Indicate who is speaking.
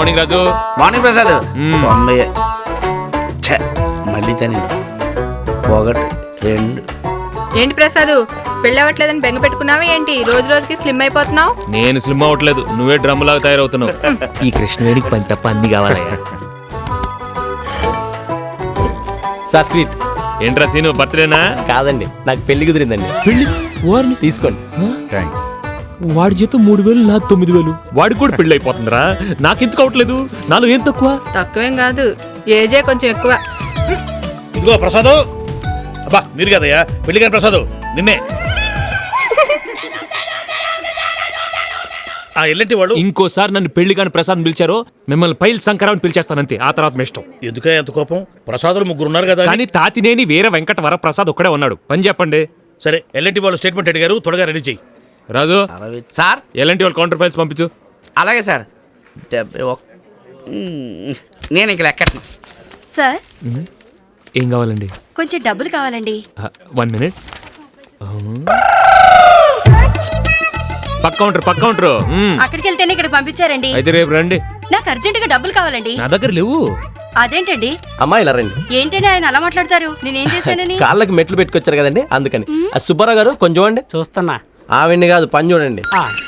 Speaker 1: Morning రాజు.
Speaker 2: Morning Prasad. 90. మళ్ళీ తని 1 2.
Speaker 3: ఏంటి ప్రసాద్ పెళ్ళవట్లేదని బెంగ పెట్టుకున్నావా ఏంటి? రోజు రోజుకి స్లిమ్ అయిపోతున్నావు.
Speaker 1: నేను స్లిమ్ అవ్వట్లేదు, నువ్వే డ్రమ్ లాగా తయారవుతున్నావు. ఈ కృష్ణవేణికి పని తప్ప అన్ని కావాలయ్యా.
Speaker 4: Sir sweet.
Speaker 1: ఏంట్రా సీను, బర్త్డేనా?
Speaker 4: కాదండి, నాకు పెళ్లి కుదిరిందండి.
Speaker 1: పెళ్లి వారిని
Speaker 4: తీసుకోండి.
Speaker 2: థ్యాంక్స్.
Speaker 1: వాడి జీతం 3000, నాకు 9000. వాడికి కూడా పెళ్లి అయిపోతుందిరా, నాకెందుకు అవట్లేదు? నాలో ఏం తక్కువ?
Speaker 3: తక్కువేం కాదు, ఏజే కొంచెం ఎక్కువ.
Speaker 5: ఇదిగో ప్రసాద్. అబ్బా మీరు కదయ్యా పెళ్లి కానీ ప్రసాద్ నిన్నే. ఆ ఎల్లంటి వాళ్ళు
Speaker 1: ఇంకోసారి నన్ను పెళ్లి కాని ప్రసాద్ పిలిచారో మిమ్మల్ని పైల్ శంకరావు పిలిచేస్తానంతే. ఆ తర్వాత మీ ఇష్టం.
Speaker 5: ఎందుకే ఎంత కోపం? ప్రసాదులు 3 ఉన్నారు కదా.
Speaker 1: కానీ తాతినేని వీర వెంకట వర ప్రసాద్ ఒక్కడే ఉన్నాడు. పని చెప్పండి.
Speaker 5: సరే ఎల్లంటి వాళ్ళు స్టేట్మెంట్ అడిగారు, త్వరగా రెడీ చెయ్యి.
Speaker 1: రాజు
Speaker 2: సార్.
Speaker 1: ఎలాంటి వాళ్ళు కౌంటర్ ఫైల్స్ పంపించు.
Speaker 2: అలాగే సార్. 71. నేను ఇంక లెక్కట్ను.
Speaker 6: సార్
Speaker 1: ఏం కావాలండి?
Speaker 6: కొంచెం డబ్బులు కావాలండి.
Speaker 1: 1 minute. పక్క కౌంటర్.
Speaker 6: అక్కడికి వెళ్తేనే ఇక్కడ పంపించారండి.
Speaker 1: అయితే రేపు రండి.
Speaker 6: నాకు అర్జెంటుగా డబ్బులు కావాలండి.
Speaker 1: నా దగ్గర లేవు.
Speaker 6: అదేంటండి?
Speaker 4: అమ్మా ఇలా రండి.
Speaker 6: ఏంటండి ఆయన అలా మాట్లాడతారు? నేనేం చేశానని?
Speaker 4: కాళ్ళకి మెట్లు పెట్టుకొచ్చారు కదండి, అందుకని. సుబ్బారావు గారు కొంచెం అండి.
Speaker 7: చూస్తున్నా.
Speaker 4: ఆవిడ్ని కాదు, పని చూడండి.